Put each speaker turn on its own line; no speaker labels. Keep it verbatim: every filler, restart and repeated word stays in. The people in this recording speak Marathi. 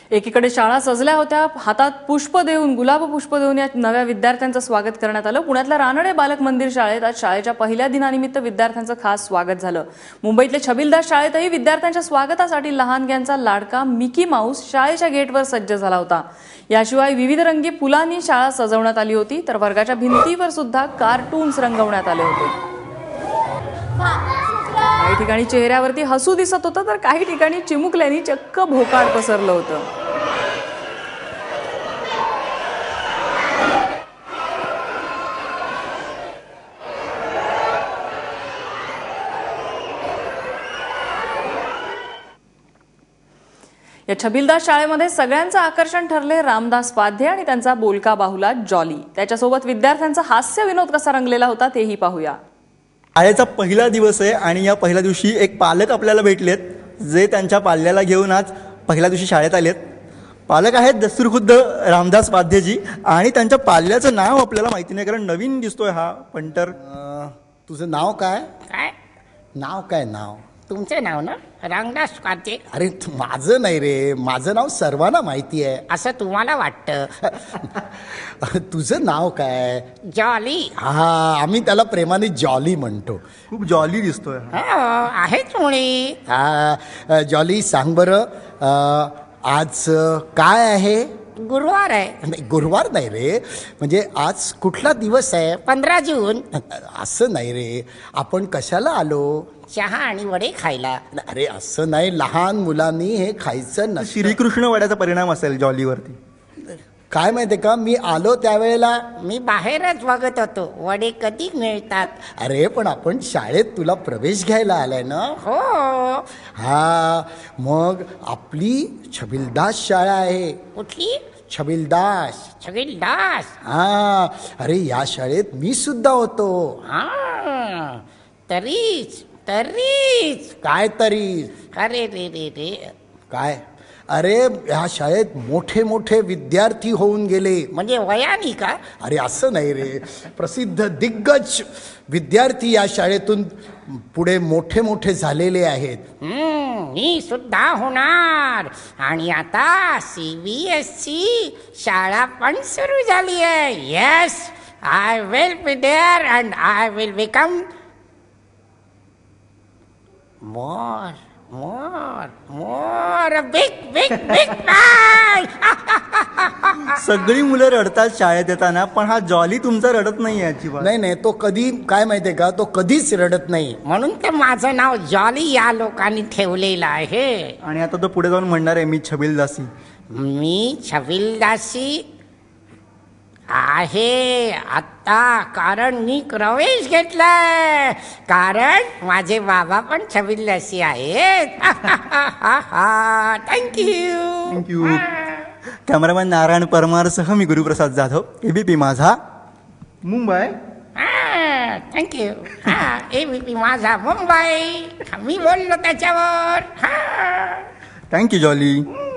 एकीकडे शाळा सजल्या होत्या, हातात पुष्प देऊन गुलाब पुष्प देऊन या नव्या विद्यार्थ्यांचं स्वागत करण्यात आलं। पुण्यातल्या रानडे बालक मंदिर शाळेत आज शाळेच्या पहिल्या दिनानिमित्त विद्यार्थ्यांचं खास स्वागत झालं। मुंबईतल्या छबिलदास शाळेतही विद्यार्थ्यांच्या स्वागतासाठी लहानग्यांचा लाडका मिकी माऊस शाळेच्या गेटवर सज्ज झाला होता। याशिवाय विविध रंगी फुलांनी शाळा सजवण्यात आली होती, तर वर्गाच्या भिंतीवर सुद्धा कार्टून्स रंगवण्यात आले होते। काही ठिकाणी चेहऱ्यावरती हसू दिसत होतं, तर काही ठिकाणी चिमुकल्यांनी चक्क भोकाड पसरलं होतं। या छबिलदास शाळेमध्ये सगळ्यांचं आकर्षण ठरले रामदास पाध्ये आणि त्यांचा बोलका बाहुला जॉली। त्याच्यासोबत विद्यार्थ्यांचा हास्य विनोद कसा रंगलेला होता तेही पाहूया।
शाळेचा पहिला दिवस आहे आणि या पहिल्या दिवशी एक पालक आपल्याला भेटलेत, जे त्यांच्या पाल्याला घेऊन आज पहिल्या दिवशी शाळेत आलेत। पालक आहेत दस्तूरखुद्द रामदास पाध्येजी आणि त्यांच्या पाल्याचं नाव आपल्याला माहिती नाही, कारण नवीन दिसतोय हा पंटर।
तुझं नाव काय?
काय
नाव काय? नाव
तुमचे नाव ना रामदास पाध्ये?
अरे माझं नाही रे, माझं नाव सर्वांना माहिती आहे।
असं तुम्हाला वाटतं?
तुझं नाव काय?
जॉली।
हा, आम्ही त्याला प्रेमाने जॉली म्हणतो।
खूप जॉली दिसतोय।
आहेच मुळी।
हा जॉली, सांग बरं आज काय आहे?
गुरुवार आहे।
नाही, गुरुवार नाही रे, म्हणजे आज कुठला दिवस आहे?
पंधरा जून।
असं नाही रे, आपण कशाला आलो?
चहा आणि वडे खायला।
अरे असं नाही, लहान मुलांनी हे खायचं नसतं।
श्रीकृष्ण वड्याचा परिणाम असेल जॉलीवरती।
काय माहितीये का, मी आलो त्यावेळेला
मी बाहेरच बघत होतो वडे कधी मिळतात।
अरे पण आपण शाळेत तुला प्रवेश घ्यायला आलाय ना?
हो।
हा, मग आपली छबिलदास शाळा आहे।
कुठली?
छबिलदास।
छबिलदास?
हा, अरे या शाळेत मी सुद्धा होतो।
हा, तरीच तरीच
काय तरी?
अरे रे रे रे
काय? अरे ह्या शाळेत मोठे मोठे विद्यार्थी होऊन गेले।
म्हणजे वयानी का?
अरे असं नाही रे, प्रसिद्ध दिग्गज विद्यार्थी या शाळेतून पुढे मोठे मोठे झालेले आहेत।
हम्म, मी सुद्धा होणार। आणि आता सी बी एस ची शाळा पण सुरू झाली आहे। Yes, I will be there and I will become more more more big big big man।
सगळी मुलं रडतात शाळेत येताना, पण हा जॉली तुमचा रडत नाही आहे अजिबात।
नाही नाही, तो कधी काय माहितीये का, तो कधीच रडत नाही।
म्हणून तर माझं नाव जॉली या लोकांनी ठेवलेलं आहे।
आणि आता तो पुढे जाऊन म्हणणार आहे मी छबिलदासी।
मी छबिलदासी आहे आता, कारण मी प्रवेश घेतलाय, कारण माझे बाबा पण छबिलदासी आहेत। Thank you
thank you. कॅमेरामॅन नारायण परमारसह मी गुरुप्रसाद जाधव, एबीपी माझा मुंबई।
थँक्यू। हा, एबीपी माझा मुंबई, मी बोललो त्याच्यावर।
Thank you jolly.